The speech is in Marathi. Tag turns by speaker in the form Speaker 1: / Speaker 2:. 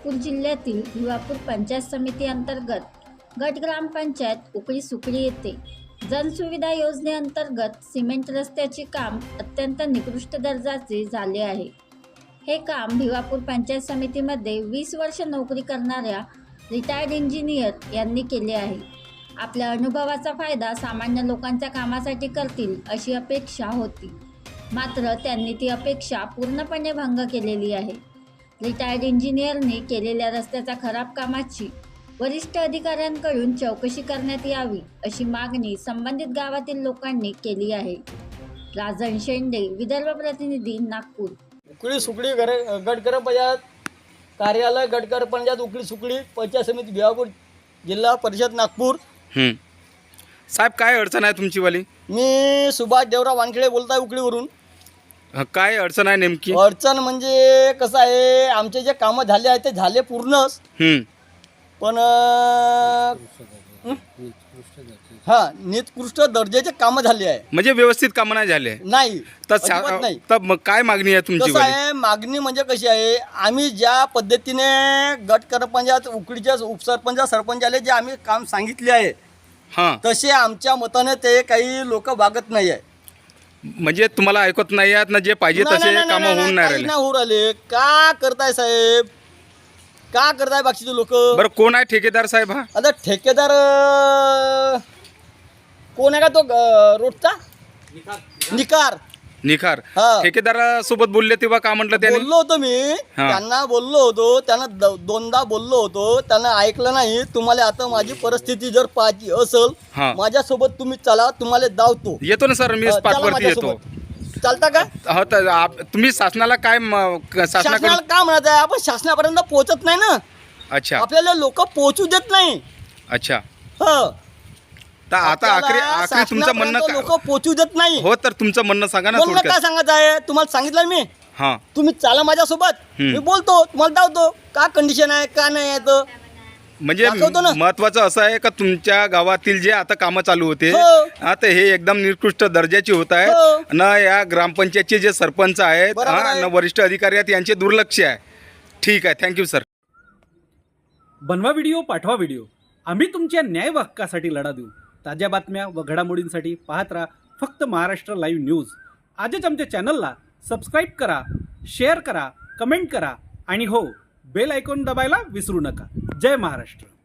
Speaker 1: नागपूर जिल्ह्यातील भिवापूर पंचायत समिती अंतर्गत गट ग्रामपंचायत उकळी सुकळी येथे जनसुविधा योजनेअंतर्गत सिमेंट रस्त्याचे काम अत्यंत निकृष्ट दर्जाचे झाले आहे। हे काम भिवापूर पंचायत समितीमध्ये 20 वर्ष नोकरी करणाऱ्या रिटायर्ड इंजिनियर यांनी केले आहे। आपल्या अनुभवाचा फायदा सामान्य लोकांच्या कामासाठी करतील अशी अपेक्षा होती, मात्र त्यांनी ती अपेक्षा पूर्णपणे भंग केलेली आहे। रिटायर्ड इंजिनियरने केलेल्या रस्त्याच्या खराब कामाची वरिष्ठ अधिकाऱ्यांकडून चौकशी करण्यात यावी अशी मागणी संबंधित गावातील लोकांनी केली आहे। राजन शेंडे, विदर्भ प्रतिनिधी, नागपूर।
Speaker 2: उकळी सुकळी गट ग्रामपंचायत कार्यालय, गट ग्रामपंचायत उकळी सुकळी पंचायत समिती भिवापूर, जिल्हा परिषद नागपूर।
Speaker 3: साहेब, काय अडचण आहे तुमची वाली?
Speaker 2: मी सुभाष देवराव वानखेडे बोलताय उकळीवरून।
Speaker 3: काय अडचण आहे नेमकी?
Speaker 2: अडचण म्हणजे कसं आहे, आमचे जे कामं झाले आहेत ते झाले पूर्णच, पण निकृष्ट दर्जाचे कामं झाले आहे,
Speaker 3: म्हणजे व्यवस्थित कामं नाही झाले
Speaker 2: नाही
Speaker 3: तर
Speaker 2: नाही।
Speaker 3: तर मग काय मागणी आहे तुमची
Speaker 2: कसं
Speaker 3: वाली?
Speaker 2: आहे, मागणी म्हणजे कशी आहे, आम्ही ज्या पद्धतीने गट ग्रामपंचायत उकळीच्या उपसरपंच सरपंचाला जे आम्ही काम सांगितले आहे तसे आमच्या मताने ते काही लोक वागत नाही आहे।
Speaker 3: म्हणजे तुम्हाला ऐकत नाही आहेत ना, जे पाहिजे तसे कामं होऊन नाही राहिले?
Speaker 2: नाही होऊ राहिले। का करताय साहेब, का करताय बाकीचे लोक?
Speaker 3: बरं, कोण आहे ठेकेदार साहेब? हा
Speaker 2: आता ठेकेदार कोण आहे का तो रोडचा? निकार
Speaker 3: निखार
Speaker 2: हा।
Speaker 3: ठेकेदारासोबत बोलले तेव्हा का म्हटलं त्याने?
Speaker 2: बोललो होतो मी, त्यांना बोललो होतो, त्यांना दोनदा बोललो होतो, त्यांना ऐकलं नाही। तुम्हाला आता माझी परिस्थिती जर पाहायची असेल, माझ्यासोबत तुम्ही चला, तुम्हाला दावतो।
Speaker 3: येतो ना सर, मी स्पॉटवरती येतो।
Speaker 2: चालता का?
Speaker 3: हो, तर तुम्ही शासनाला काय
Speaker 2: शासनाला का म्हणत आहे? आपण शासनापर्यंत पोहोचत नाही ना।
Speaker 3: अच्छा,
Speaker 2: आपल्याला लोक पोहोचू देत नाही।
Speaker 3: अच्छा,
Speaker 2: हो,
Speaker 3: तर आता आखरी तुमचं म्हणणं काय?
Speaker 2: लोक पोहोचू देत नाही।
Speaker 3: हो, तर तुमचं म्हणणं सांगा ना
Speaker 2: म्हणणं
Speaker 3: थोडक्यात.
Speaker 2: काय सांगत आहे तुम्हाला? सांगितलं मी,
Speaker 3: हां,
Speaker 2: तुम्ही चाला माझ्यासोबत, मी बोलतो, तुम्हाला दावतो का कंडिशन आहे का नाही आहे तर
Speaker 3: म्हणजे
Speaker 2: दाखवतो ना।
Speaker 3: महत्वाचं असं आहे का तुमच्या गावातील जे आता कामं चालू होते आता हे एकदम निकृष्ट दर्जाची होत आहेत ना। या ग्रामपंचायतचे जे सरपंच आहेत ना वरिष्ठ अधिकारी आहेत यांचे दुर्लक्ष आहे। ठीक आहे, थँक्यू सर।
Speaker 4: बनवा व्हिडिओ, पाठवा व्हिडिओ, आम्ही तुमच्या न्याय व हक्कासाठी लढा देऊ। ताज्या बातम्या व घडामोडींसाठी पाहत राहा फक्त महाराष्ट्र लाईव्ह न्यूज। आजच आमच्या चॅनलला सबस्क्राईब करा, शेअर करा, कमेंट करा आणि हो, बेल आयकॉन दबायला विसरू नका। जय महाराष्ट्र।